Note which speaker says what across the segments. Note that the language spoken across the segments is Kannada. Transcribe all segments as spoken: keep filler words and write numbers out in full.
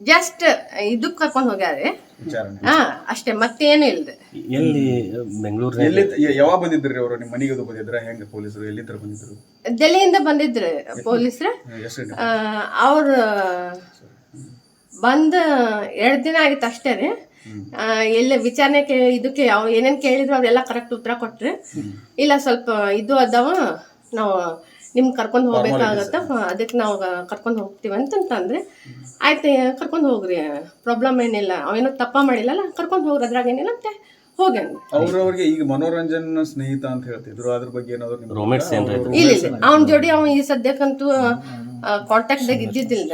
Speaker 1: ಜಸ್ಟ್ ಇದಕ್ ಕರ್ಕೊಂಡ್ ಹೋಗ್ಯಾರೆ ಹಾ ಅಷ್ಟೇ ಮತ್ತೇನು ಇಲ್ದೆ.
Speaker 2: ಎಲ್ಲಿ ಬೆಂಗಳೂರು
Speaker 3: ಎಲ್ಲಿ ಯಾವಾಗ ಬಂದಿದ್ರಿ ಅವರು ನಿಮ್ಮ ಮನೆಗೆ ಅದು ಬಂದಿದ್ರ ಹೆಂಗ ಪೊಲೀಸರು ಎಲ್ಲಿ ತರ ಬಂದಿದ್ರು?
Speaker 1: ಡೆಲ್ಲಿಯಿಂದ ಬಂದಿದ್ರು ಪೊಲೀಸರು. ಅವ್ರ ಬಂದ ಎರಡ್ ದಿನ ಆಗಿತ್ತು ಅಷ್ಟೇ ರೀ. ಎಲ್ಲ ವಿಚಾರಣೆ ಇದಕ್ಕೆ ಯಾವ ಏನೇನ್ ಕೇಳಿದ್ರು ಅವ್ರೆಲ್ಲ ಕರೆಕ್ಟ್ ಉತ್ತರ ಕೊಟ್ರಿ. ಇಲ್ಲ ಸ್ವಲ್ಪ ಇದು ಅದಾವ ನಾವು ನಿಮ್ ಕರ್ಕೊಂಡ್ ಹೋಗ್ಬೇಕಾಗತ್ತ ಅದಕ್ಕೆ ನಾವು ಕರ್ಕೊಂಡ್ ಹೋಗ್ತೀವಿ ಅಂತಂದ್ರೆ ಆಯ್ತು ಕರ್ಕೊಂಡ್ ಹೋಗ್ರಿ ಪ್ರಾಬ್ಲಮ್ ಏನಿಲ್ಲ ಅವೇನೋ ತಪ್ಪ ಮಾಡಿಲ್ಲಲ್ಲ ಕರ್ಕೊಂಡ್ ಹೋಗ್ರಿ ಅದ್ರಾಗ ಏನಿಲ್ಲ ಅಂತ ಹೋಗ್ಯಾನ.
Speaker 3: ಅವ್ರವ್ರಿಗೆ ಈಗ ಮನೋರಂಜನ್ ಸ್ನೇಹಿತ ಅಂತ ಹೇಳ್ತಿದ್ರು, ಅದ್ರ ಬಗ್ಗೆ ಏನಾದ್ರು
Speaker 1: ಇಲ್ಲ ಇಲ್ಲ ಅವನ ಜೋಡಿ ಅವ ಈ ಸದ್ಯಕ್ಕಂತೂ ಕಾಂಟ್ಯಾಕ್ಟ್ ದಾಗ ಇದ್ದಿದ್ದಿಲ್ಲ.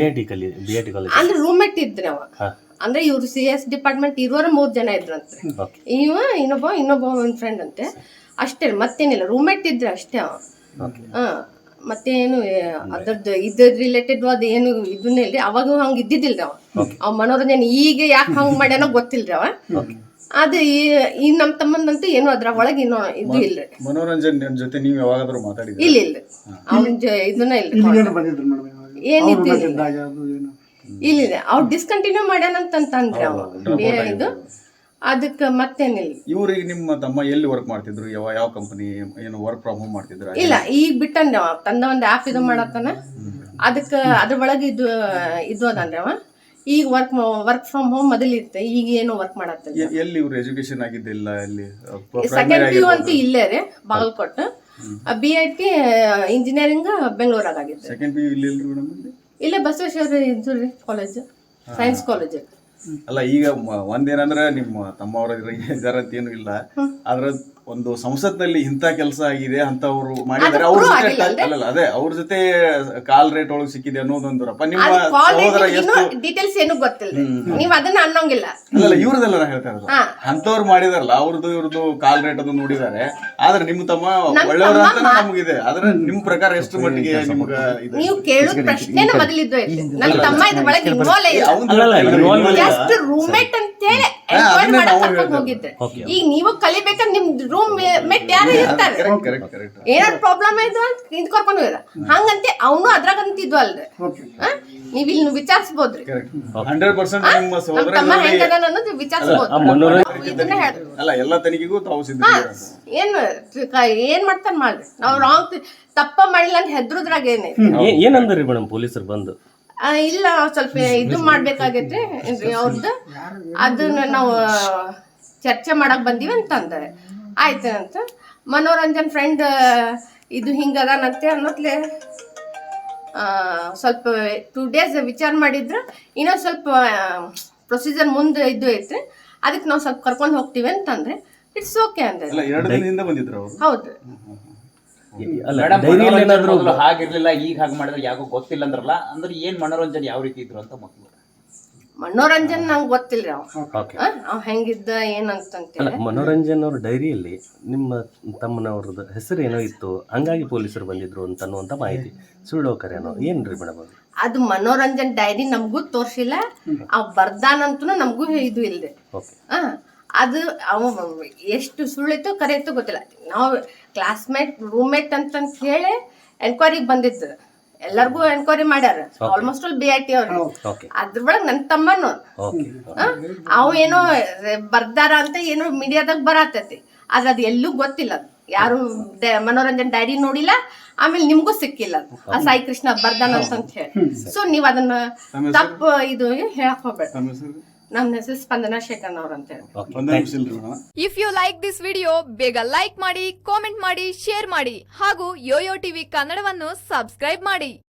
Speaker 1: ಅಂದ್ರೆ ರೂಮ್ಮೇಟ್ ಇದ್ರಿ ಅವ. ಅಂದ್ರೆ ಇವ್ರು ಸಿ ಎಸ್ ಡಿಪಾರ್ಟ್ಮೆಂಟ್ ಇರೋರ ಮೂರ್ ಜನ ಇದ್ರಂತೆ. ಇವ ಇನ್ನೊಬ್ಬ ಇನ್ನೊಬ್ಬ ಒಂದ್ ಫ್ರೆಂಡ್ ಅಂತೆ ಅಷ್ಟೇ, ಮತ್ತೇನಿಲ್ಲ ರೂಮ್ಮೇಟ್ ಇದ್ರೆ ಅಷ್ಟೇ ಅವ. ಹ ಮತ್ತೇನು ಅದ್ರದ್ದು ಇದ್ರ ರಿಲೇಟೆಡ್ ಅದ ಏನು ಇದನ್ನೇ ಇಲ್ರಿ. ಅವಾಗ ಹಂಗ ಇದ್ದಿದ್ದಿಲ್ರಿ ಅವ. ಅವ್ ಮನೋರಂಜನೆ ಈಗ ಯಾಕೆ ಹಂಗ ಮಾಡ್ಯಾನೋ ಗೊತ್ತಿಲ್ರಿ ಅವ. ಅದು ಈ ನಮ್ ತಮ್ಮಂದಂತೂ ಏನು ಅದ್ರ ಒಳಗೆ ಇನ್ನೂ ಇದು ಇಲ್ರಿ.
Speaker 3: ಮನೋರಂಜನ್ ಜೊತೆ ನೀವು ಯಾವಾಗಾದ್ರೂ ಮಾತಾಡಿದ್ರಿ?
Speaker 1: ಇಲ್ಲ ಇಲ್ಲ ಅವನ ಇದನ್ನ ಇಲ್ರಿ. ಏನಿತ್ತು ಇಲ್ಲ ಇಲ್ಲ ಅವ್ರು ಡಿಸ್ಕಂಟಿನ್ಯೂ ಮಾಡ್ಯಾನಂತಂದ್ರೆ ಅವ ಇದು ಅದಕ್ಕೆ ಮತ್ತೇನಿಲ್ಲ.
Speaker 3: ಇವ್ರಿಗೆ ನಿಮ್ಮ ತಮ್ಮ ಎಲ್ಲಿ ವರ್ಕ್ ಮಾಡ್ತಿದ್ರು? ಯಾವ ಯಾವ ಕಂಪನಿ ಏನು ವರ್ಕ್ ಫ್ರಮ್ ಹೋಮ್ ಮಾಡ್ತಿದ್ರ?
Speaker 1: ಇಲ್ಲ ಈಗ ಬಿಟ್ಟಂದ್ರೆ ಅವ ತಂದ ಒಂದು ಆ್ಯಪ್ ಇದು ಮಾಡತ್ತಾನ ಅದಕ್ಕೆ ಅದ್ರ ಒಳಗೆ ಇದು ಇದು ಅದನ್ರಿ ಅವ. ಈಗ ವರ್ಕ್ ವರ್ಕ್ ಫ್ರಮ್ ಹೋಮ್ ಮೊದಲು ಇರುತ್ತೆ, ಈಗ ಏನು ವರ್ಕ್ ಮಾಡತ್ತಿಲ್ಲ.
Speaker 3: ಎಲ್ಲಿ ಇವ್ರು ಎಜುಕೇಶನ್ ಆಗಿದ್ದಿಲ್ಲ? ಎಲ್ಲಿ
Speaker 1: ಸೆಕೆಂಡ್ ಪಿ ಯು ಅಂತೂ ಇಲ್ಲೇ ರೀ Bagalkote. B I T engineering ಬೆಂಗಳೂರಾಗ ಆಗಿತ್ತು.
Speaker 3: ಸೆಕೆಂಡ್ ಪಿ ಯು ಇಲ್ಲಿ ಇಲ್ರಿ ಮೇಡಮ್?
Speaker 1: ಇಲ್ಲೇ ಬಸವೇಶ್ವರ ಇದು ರೀ ಕಾಲೇಜ್, ಸೈನ್ಸ್ ಕಾಲೇಜ್.
Speaker 3: ಅಲ್ಲ ಈಗ ಒಂದೇನಂದ್ರೆ ನಿಮ್ಮ ತಮ್ಮವ್ರ ಇದಾರ ಅಂತ ಏನು ಇಲ್ಲ, ಆದ್ರ ಒಂದು ಸಂಸತ್ನಲ್ಲಿ ಇಂಥ ಕೆಲಸ ಆಗಿದೆ ಅಂತವ್ರು ಮಾಡಿದ್ದಾರೆ, ಅವ್ರ ಜೊತೆ ಅಲ್ಲಲ್ಲ ಅದೇ ಅವ್ರ ಜೊತೆ ಕಾಲ್ ರೇಟ್ ಒಳಗೆ ಸಿಕ್ಕಿದೆ ಅನ್ನೋದೊಂದರಪ್ಪ. ನಿಮ್ಮ ಸಹೋದರ ಎಷ್ಟು
Speaker 1: ಡೀಟೇಲ್ಸ್ ಏನು ಗೊತ್ತಿಲ್ಲ, ನೀವ್ ಅದನ್ನ ಅನ್ನೋಂಗಿಲ್ಲ.
Speaker 3: ಅಲ್ಲಲ್ಲ ಇವ್ರದೆಲ್ಲ ನಾ ಹೇಳ್ತಾ ಇರೋದು ಅಂತವ್ರು ಮಾಡಿದಾರಲ್ಲ ಅವ್ರದ್ದು ಇವ್ರದ್ದು ಕಾಲ್ ರೇಟ್ ಅದು ನೋಡಿದಾರೆ. ಆದ್ರೆ ನಿಮ್ಮ ತಮ್ಮ ಒಳ್ಳೆಯವ್ರ ಅಂತ ನಮಗಿದೆ. ಆದ್ರೆ ನಿಮ್ ಪ್ರಕಾರ ಎಷ್ಟು ಮಟ್ಟಿಗೆ ನಿಮ್ಗ
Speaker 1: ನೀವು ಕೇಳೋ ಪ್ರಶ್ನೆನ ಮೊದಲಿದ್ದು ನನ್ನ ತಮ್ಮ ಇದ್ರ ಒಳಗೆ ಇನ್ವಾಲ್ವ್ ಜಸ್ಟ್ ರೂಮ್ಮೇಟ್ ಅಂತೇಳಿ ಎನ್ಕ್ವೈರಿ ಮಾಡಕ್ ಹೋಗಿದ್ದೆ. ಈಗ ನೀವು ಕಲಿಬೇಕಾದ್ರೆ ನಿಮ್ ರೂಮ್ ಮೇಟ್ ಯಾರು ಇರ್ತಾರೆ, ಏನಾದ್ರು ಪ್ರಾಬ್ಲಮ್ ಆಯ್ತು ಅಂತ ಇದು ಕರ್ಕೊಂಡು ಹೋಗಿದ ಹಂಗಂತೆ ಅವನು ಅದ್ರಾಗಂತ ಇದ್ವು ಅಲ್ರಿ. ನೀವ್ ಇಲ್ಲಿ ವಿಚಾರಿಸಬಹುದ್ರಿ
Speaker 3: ಹಂಡ್ರೆಡ್ ಪರ್ಸೆಂಟ್ ನಿಮ್ಮ ಸಹೋದರ
Speaker 1: ಅನ್ನೋದು ವಿಚಾರಿಸಬಹುದು.
Speaker 3: ಅಲ್ಲ ಎಲ್ಲ ತನಿಖೆಗೂ ತಾವು ಸಿದ್ಧ.
Speaker 1: ಏನ್ ಏನ್ ಮಾಡ್ತಾರ ಮಾಡ್ರಿ, ನಾವ್ ರಾಂಗ್ ತಪ್ಪ ಮಾಡಿಲ್ಲ ಅಂತ ಹೆದ್ರುದ್ರಾಗ ಏನೇ
Speaker 2: ಏನಂದ್ರಿ ಮೇಡಮ್ ಪೊಲೀಸರು ಬಂದು?
Speaker 1: ಇಲ್ಲ ಸ್ವಲ್ಪ ಇದು ಮಾಡ್ಬೇಕಾಗೈತ್ರಿ ಅವ್ರದ್ದು, ಅದನ್ನ ನಾವು ಚರ್ಚೆ ಮಾಡಕ್ ಬಂದೀವಿ ಅಂತ ಅಂತಾರೆ. ಆಯ್ತು ಅಂತ ಮನೋರಂಜನ್ ಫ್ರೆಂಡ್ ಇದು ಹಿಂಗದಾನಂತೆ ಅನ್ನೋತ್ಲೆ ಸ್ವಲ್ಪ ಟೂ ಡೇಸ್ ವಿಚಾರ ಮಾಡಿದ್ರ ಇನ್ನೊಂದು ಸ್ವಲ್ಪ ಪ್ರೊಸೀಜರ್ ಮುಂದೆ ಇದು ಐತ್ರಿ, ಅದಕ್ಕೆ ನಾವು ಸ್ವಲ್ಪ ಕರ್ಕೊಂಡು ಹೋಗ್ತೀವಿ ಅಂತಂದ್ರೆ ಇಟ್ಸ್ ಓಕೆ ಅಂದ್ರೆ. ಹೌದು
Speaker 4: ಹಾಗಿರ್ಲಿಲ್ಲ ಈಗ ಹಾಗೆ ಮಾಡಿದ್ರೆ ಯಾಕೋ ಗೊತ್ತಿಲ್ಲ ಅಂದ್ರಲ್ಲ, ಅಂದ್ರೆ ಏನ್ ಮನೋರಂಜನೆ ಯಾವ ರೀತಿ ಇದ್ರು ಅಂತ ಮಕ್ಕಳು?
Speaker 1: ಮನೋರಂಜನ್ ನಂಗೆ ಗೊತ್ತಿಲ್ರಿ ಅವ್ ಹೆಂಗಿದ್ದ ಏನಂತ.
Speaker 2: ಮನೋರಂಜನ್ ಅವ್ರ ಡೈರಿಯಲ್ಲಿ ನಿಮ್ಮ ತಮ್ಮನವ್ರದ್ದು ಹೆಸರು ಏನೋ ಇತ್ತು, ಹಂಗಾಗಿ ಪೊಲೀಸರು ಬಂದಿದ್ರು ಅಂತ ಅನ್ನುವಂತ ಮಾಹಿತಿ ಸುಳ್ಳು ಕರೇನೋ ಏನ್ರಿ ಮೇಡಮ್?
Speaker 1: ಅದು ಮನೋರಂಜನ್ ಡೈರಿ ನಮಗೂ ತೋರ್ಸಿಲ್ಲ, ಅವ್ ಬರ್ದಾನಂತೂ ನಮಗೂ ಇದು ಇಲ್ರಿ. ಹ ಅದು ಅವ ಎಷ್ಟು ಸುಳ್ಳಿತ್ತು ಕರೆ ಇತ್ತು ಗೊತ್ತಿಲ್ಲ. ನಾವು ಕ್ಲಾಸ್ಮೇಟ್ ರೂಮ್ಮೇಟ್ ಅಂತ ಹೇಳಿ ಎನ್ಕ್ವೈರಿಗೆ ಬಂದಿದ್ದು, ಎಲ್ಲರಿಗೂ ಎನ್ಕ್ವೈರಿ ಮಾಡ್ಯಾರ almost all B I T ಅವ್ರು. ಅದ್ರೊಳಗೆ ನನ್ನ ತಮ್ಮನು ಅವು ಏನೋ ಬರ್ದಾರ ಅಂತ ಏನೋ ಮೀಡಿಯಾದಾಗ ಬರತೈತಿ, ಆದ್ರೆ ಅದು ಎಲ್ಲೂ ಗೊತ್ತಿಲ್ಲ. ಅದು ಯಾರು ಮನೋರಂಜನ್ ಡೈರಿ ನೋಡಿಲ್ಲ, ಆಮೇಲೆ ನಿಮ್ಗೂ ಸಿಕ್ಕಿಲ್ಲ ಆ ಸಾಯಿ ಕೃಷ್ಣ ಬರ್ದಾನ ಅಂತ ಹೇಳಿ. ಸೊ ನೀವ್ ಅದನ್ನ ತಪ್ಪು ಇದು ಹೇಳಕ್ ಹೋಗ್ಬೇಡ. ನಮ್ಮ ಹೆಸರು ಸ್ಪಂದನಾ ಶೇಖರ್ ಅವ್ರ ಅಂತ ಹೇಳಿ.
Speaker 5: If you like this video ಬೇಗ ಲೈಕ್ ಮಾಡಿ, ಕಾಮೆಂಟ್ ಮಾಡಿ, ಶೇರ್ ಮಾಡಿ ಹಾಗೂ ಯೋಯೋ ಟಿವಿ ಕನ್ನಡವನ್ನು ಸಬ್ಸ್ಕ್ರೈಬ್ ಮಾಡಿ.